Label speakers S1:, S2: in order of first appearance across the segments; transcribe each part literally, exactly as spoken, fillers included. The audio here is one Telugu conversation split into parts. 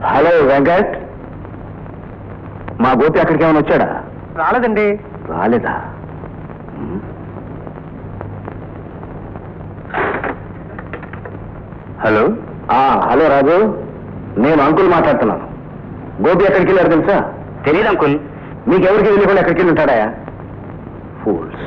S1: హలో వెంకట్, మా గోపి అక్కడికి ఏమైనా వచ్చాడా?
S2: రాలేదండి.
S1: రాలేదా? హలో. హలో రాజు, నేను అంకుల్ మాట్లాడుతున్నాను. గోపి ఎక్కడికి వెళ్ళారు తెలుసా?
S2: తెలియదు అంకుల్.
S1: మీకెవరికి తెలియకుండా ఎక్కడికి వెళ్ళి ఉంటాడా? ఫూల్స్.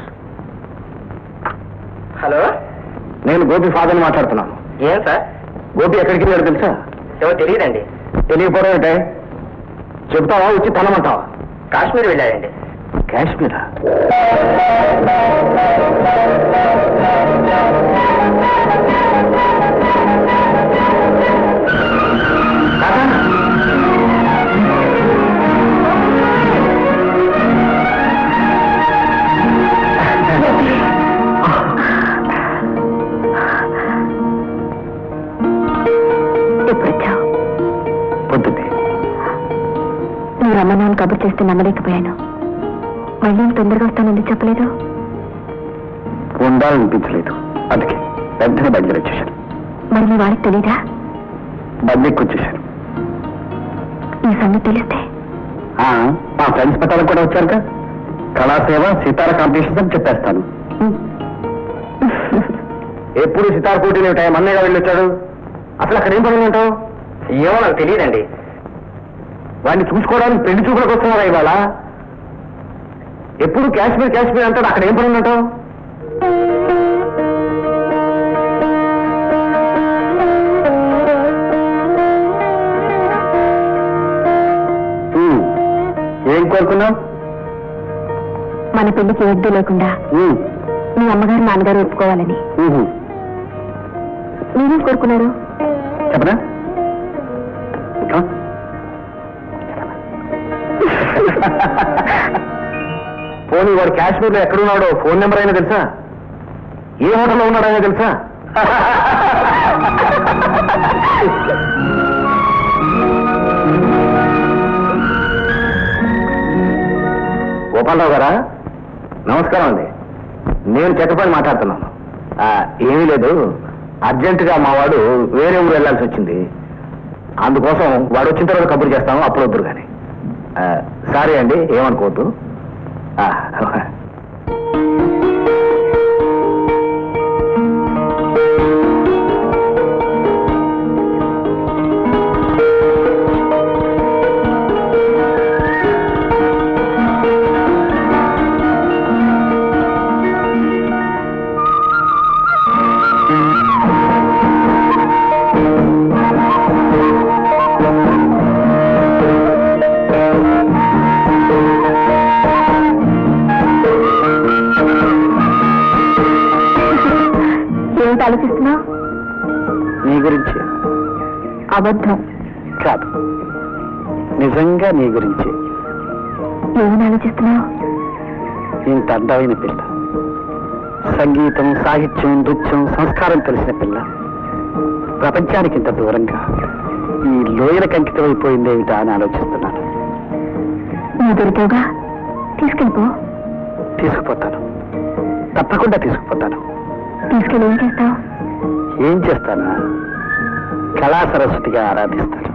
S2: హలో,
S1: నేను గోపి ఫాదర్ని మాట్లాడుతున్నాను.
S2: ఏం సార్?
S1: గోపి ఎక్కడికి వెళ్ళారు తెలుసా?
S2: ఎవరు తెలియదండి.
S1: తెలియకపోవడం ఏంటే? చెప్తావా వచ్చి తనమంటావా?
S2: కాశ్మీర్ వెళ్ళాడండి.
S1: కాశ్మీరా? పొద్దున్నే
S3: నువ్వు రమ్మన్నాను కబుర్ చేస్తే నమ్మలేకపోయాను. మళ్ళీ తొందరగా వస్తానని చెప్పలేదు.
S1: ఉండాలనిపించలేదు, అందుకే వెంటనే బయలుదేరి వచ్చేసాను.
S3: మరి నీ వారికి తెలీదా?
S1: బందెక్కి వచ్చేసాను.
S3: ఈ సంగతి తెలిస్తే
S1: మా ఫ్రెండ్స్ పెట్టాలకు కూడా వచ్చారుగా. కళాసేవ సితార కాంపిటీషన్స్ అని చెప్పేస్తాను. ఎప్పుడు సితార పోటీలు ఉంటాయి? మన్నయ్యగా వెళ్ళి వచ్చాడు. అసలు అక్కడ ఏం పనులు ఉంటావు?
S2: ఏమో నాకు తెలియదండి.
S1: వాడిని చూసుకోవడానికి పెళ్లి చూపులకు వస్తున్నారా ఇవాళ? ఎప్పుడు కాశ్మీర్ కాశ్మీర్ అంటాడు. అక్కడ ఏం పనులు ఉంటావు? ఏం కోరుకున్నావు?
S3: మన పెళ్లికి ఎద్దు లేకుండా మీ అమ్మగారు నాన్నగారు ఒప్పుకోవాలని. మీరేం కోరుకున్నారు
S1: చెప్పనా? పోనీ వాడు కాశ్మీర్లో ఎక్కడున్నాడో ఫోన్ నెంబర్ అయినా తెలుసా? ఏ హోటల్లో ఉన్నాడైనా తెలుసా? గోపాలరావు గారా, నమస్కారం అండి. నేను చెక్కపని మాట్లాడుతున్నాను. ఏమీ లేదు, అర్జెంటుగా మా వాడు వేరే ఊరు వెళ్లాల్సి వచ్చింది. అందుకోసం వాడు వచ్చిన తర్వాత కబురు చేస్తాము, అప్పుడు వద్దురు కానీ. సారీ అండి, ఏమనుకోవద్దు.
S3: ఆలోచిస్తున్నావు?
S1: నీ గురించి.
S3: అబద్ధం
S1: కాదు, నిజంగా నీ గురించి.
S3: ఏమని ఆలోచిస్తున్నావు?
S1: ఇంత అందమైన పిల్ల, సంగీతం, సాహిత్యం, నృత్యం, సంస్కారం తెలిసిన పిల్ల ప్రపంచానికి ఇంత దూరంగా ఈ లోయలకు అంకితమైపోయిందేమిటా అని ఆలోచిస్తున్నాను.
S3: నువ్వు దొరికావుగా, తీసుకెళ్ళిపో.
S1: తీసుకుపోతాను, తప్పకుండా తీసుకుపోతాను.
S3: తీసుకెళ్ళి ఏం చేస్తావు?
S1: ఏం చేస్తానా? కళా సరస్వతిగా ఆరాధిస్తాను.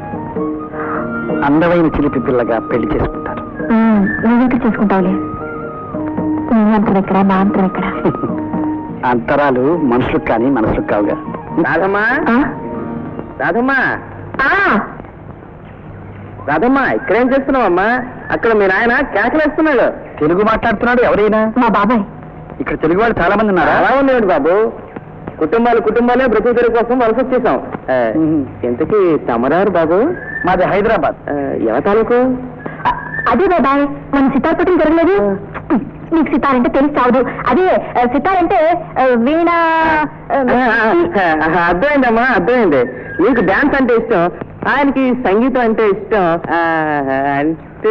S1: అందమైన చిలిపి పిల్లగా పెళ్లి చేసుకుంటాను.
S3: నువ్వు చేసుకుంటావులే. నీ అంతరం ఎక్కడ, నా అంతరం ఎక్కడ?
S1: అంతరాలు మనుషులకు కానీ మనసులకు కావుగా.
S2: రాధమ్మా, రాధమ్మా, రాధమ్మా, ఇక్కడేం చేస్తున్నావమ్మా? అక్కడ మీ నాయన కేకలేస్తున్నాడు.
S1: తెలుగు మాట్లాడుతున్నాడు. ఎవరైనా?
S3: మా బాబాయ్.
S1: ఇక్కడ తెలుగు వాళ్ళు చాలా మంది ఉన్నారా?
S2: అలా ఉందండి బాబు. కుటుంబాలు కుటుంబాలే బ్రతుకు తెరుగు కోసం వలస వచ్చేసాం. ఇంతకీ తమరారు బాబు?
S1: మాది హైదరాబాద్.
S2: ఎవ తాలూకు?
S3: అదే బాబాయ్, మన సితార్ పోటీలు జరగలేదు. నీకు సితార్ అంటే తెలిసి చావదు. అదే సితార్ అంటే వీణ.
S2: అర్థమైందమ్మా, అర్థమైంది. నీకు డాన్స్ అంటే ఇష్టం, ఆయనకి సంగీతం అంటే ఇష్టం. అంటే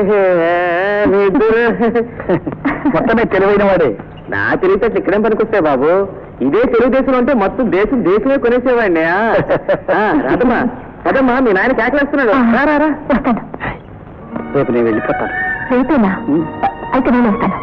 S1: మొత్తమే తెలివైన వాడే.
S2: నా తెలివితేటలు ఇక్కడేం పనికొస్తాయి బాబు? ఇదే తెలుగుదేశం అంటే మొత్తం దేశం దేశమే కొనేసేవాడిని. రాదమ్మా, కదమ్మా, మీ నాయన కేకలేస్తున్నాడు. రారా.
S3: వస్తాను.
S1: రేపు నేను వెళ్ళిపోతాను.
S3: రేపేనా? అయితే నేను వస్తాను.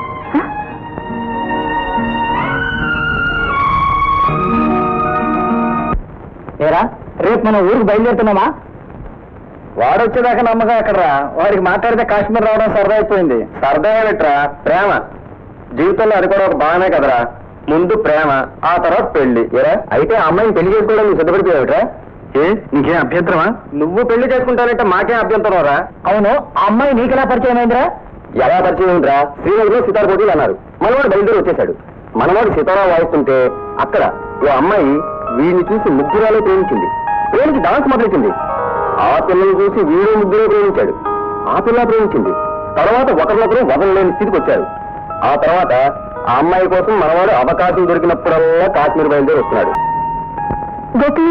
S1: ఏరా, రేపు మనం ఊరికి బయలుదేరుతున్నామా? వాడు వచ్చేదాకా నమ్మకం ఎక్కడరా? వాడికి మాట్లాడితే కాశ్మీర్ రావడం సరదా అయిపోయింది. సరదా ఏమిట్రా, ప్రేమ. జీవితంలో అది కూడా ఒక భాగమే కదరా. ముందు ప్రేమ, ఆ తర్వాత పెళ్లి. ఏరా అయితే ఆ అమ్మాయిని పెళ్లి చేసుకోవడం నువ్వు సిద్ధపడిపోయావుట్రా? ఏ నీకేం అభ్యంతరమా? నువ్వు పెళ్లి చేసుకుంటానంటే మాకేం అభ్యంతరం రా? అవును, ఆ అమ్మాయి నీకెలా పరిచయం అయిందిరా? ఎలా పరిచయం అయిందిరా? శ్రీనగర్లో సితార్ పోటీలు అన్నారు. మనవాడు బయలుదేరి వచ్చేశాడు. మనవాడు సితారా వాయిస్తుంటే అక్కడ ఓ అమ్మాయి వీడిని చూసి ముగ్గురాలే ప్రేమించింది. ప్రేమించి డాన్స్ మొదలెట్టింది. ఆ పిల్లని చూసి వీడు ముగ్గురే ప్రేమించాడు. ఆ పిల్ల ప్రేమించింది. తర్వాత ఒకరినొకరు వదలలేని స్థితికి వచ్చారు. ఆ తర్వాత ఆ అమ్మాయి కోసం మనవాడు అవకాశం దొరికినప్పుడల్లా కాశ్మీర్ బయలుదేరి వస్తున్నాడు.
S3: గోపి,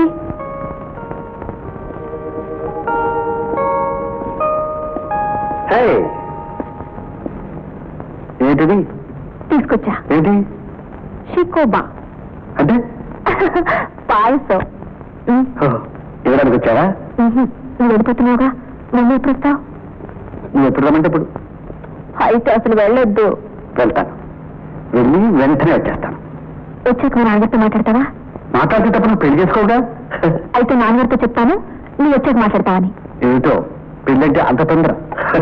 S1: ఏంటిది?
S3: తీసుకొచ్చా.
S1: ఏంటి
S3: షికోబా
S1: అంటే?
S3: పాయసం.
S1: ఇవ్వడానికి వచ్చావా?
S3: నువ్వు వెళ్ళిపోతున్నావుగా, నువ్వు ఎప్పుడు వస్తావు?
S1: నువ్వు ఎప్పుడు రమ్మంటే ఇప్పుడు.
S3: అయితే అసలు వెళ్ళొద్దు.
S1: వెళ్తాను, వెళ్ళి వెంటనే వచ్చేస్తాను.
S3: వచ్చాక మా నాన్నగారితో మాట్లాడతావా?
S1: మాట్లాడేటప్పుడు నువ్వు పెళ్లి చేసుకోవుగా.
S3: అయితే నాన్నగారితో చెప్తాను, నువ్వు వచ్చాక మాట్లాడతావని.
S1: ఏమిటో పెళ్ళంటే అంత తొందర.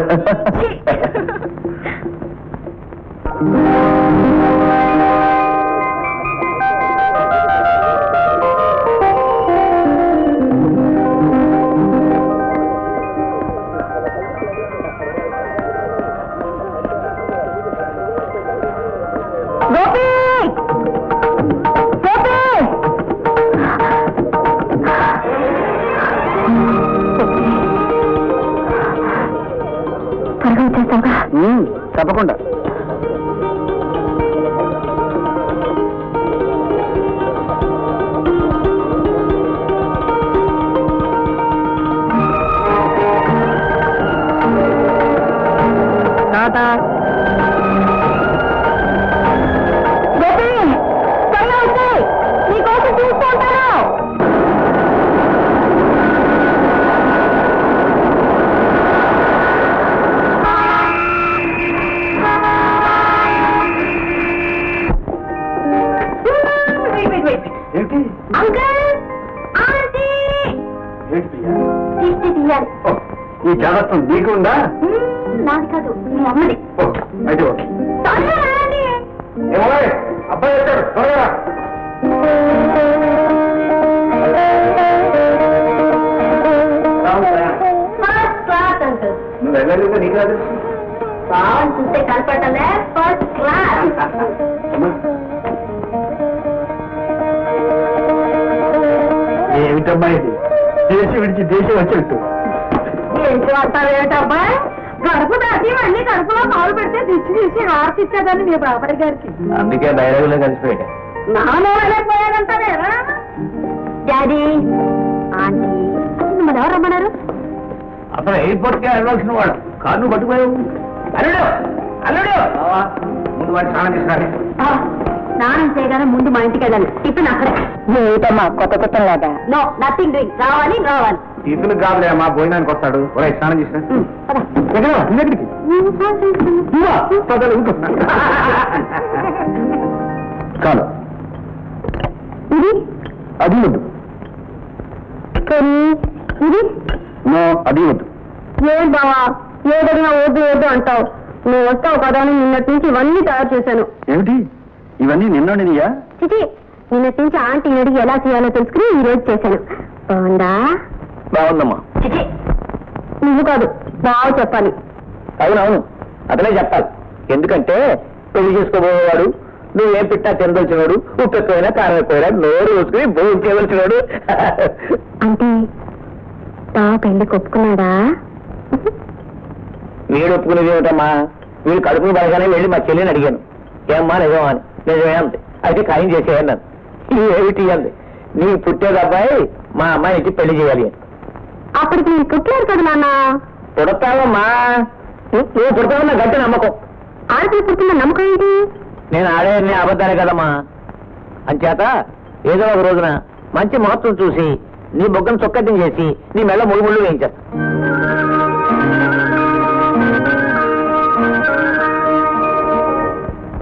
S3: గోపి, గోపి, త్వరగా వచ్చేస్తావుగా.
S1: తప్పకుండా.
S3: గోపి, త్వరగా వచ్చి నీకోసం చూస్తూ ఉంటాను. అంకుల్, ఆంటీ, దిష్టి తీయాలి.
S1: ఈ జాగ్రత్త నీకు ఉందా?
S3: నాది కాదు, మీ అమ్మది.
S1: అయితే ఓకే.
S3: త్వరగా రండి.
S1: అబ్బాయి వచ్చాడు, త్వరగా.
S3: First class uncle.
S1: నువ్వు వెళ్ళలేదు, నీకు రాదు.
S3: బాగుంది, చూస్తే కనపడలే. First class.
S1: ఏమిటమ్మా ఇది? దేశం విడిచి దేశం వచ్చినట్టు.
S3: ఏం చూస్తావు ఏమిటబ్బా? గడుపు దాటి మళ్ళీ కడుపులో కాలు పెడితే దిచ్చి తీసి హారతి ఇచ్చేదాన్ని మీ బాబాయ్ గారికి.
S1: అందుకే డైలాగులో కలిసిపోయాడు.
S3: నాలో వెళ్ళిపోయాడంటారా? డాడీ, ఆంటీ, మన ఎవరు రమ్మన్నారు?
S1: అసలు ఎయిర్పోర్ట్ కి వెళ్ళవలసిన వాడు కారు పట్టుకుపోయావు. అల్లుడు, అల్లుడు, ముందు వాడి స్నానం తీసుకురాలి.
S3: స్నానం చేయగానే ముందు మా ఇంటికి వెళ్ళాలి. టిఫిన్ అక్కడే. ఏమిటమ్మా కొత్త కొత్త లాగా? No, nothing doing. రావాలి రావాలి.
S1: టిఫిన్ కాదులే అమ్మా, భోజనానికి వస్తాడు. ఒరే స్నానం చేసిన చాలు.
S3: ఇది
S1: అది వద్దు.
S3: ఇది
S1: నో, అది వద్దు.
S3: ఏం బావా, ఏదైనా వద్దు వద్దు అంటావు. నువ్వు వస్తావు కదా అని నిన్నటి నుంచి ఇవన్నీ తయారు చేశాను.
S1: ఏమిటి ఇవన్నీ నిన్నోనిదియా?
S3: చిచి, నిన్నటి నుంచి ఆంటీ అడిగి ఎలా చేయాలో తెలుసుకుని ఈ రోజు చేశాను. బాగుందా?
S1: బాగుందమ్మా.
S3: చిచి, నువ్వు కాదు, బాగా చెప్పాలి.
S1: అవునవును, అతనే చెప్పాలి. ఎందుకంటే పెళ్లి చేసుకోబోయేవాడు నువ్వేం పెట్టా తినదలిచినవాడు, ఉప్పు ఎక్కువైనా కారం ఎక్కువైనా నోరు వేసుకుని భోజనం చేయవలసినవాడు.
S3: అంటే బావ పెళ్లి ఒప్పుకున్నాడా?
S1: వీడు ఒప్పుకునేది ఏమిటమ్మా? వీడు కడుపుని పడగానే వెళ్ళి మా చెల్లిని అడిగాను, ఏమ్మా నిజమా అని. నిజమే అంది. అయితే ఖాయం చేసేయన్నాను. ఏమిటి అంది, నీ పుట్టేది అబ్బాయి మా అమ్మాయికి పెళ్లి చేయాలి అని.
S3: అప్పటికి నేను పుట్టలేదు కదా నాన్న.
S1: పుడతావమ్మా, నువ్వు పుడతావన్న గట్టి నమ్మకం.
S3: ఆడపిల్ల పుట్టిన నమ్మకం ఏంటి?
S1: నేను ఆడేది అబద్ధాలే కదమ్మా. అంచేత ఏదో ఒక రోజున మంచి మహత్వం చూసి నీ బొగ్గను చొక్కటిని చేసి నీ మెల్ల ముళ్ళు ముళ్ళు వేయించేస్తా.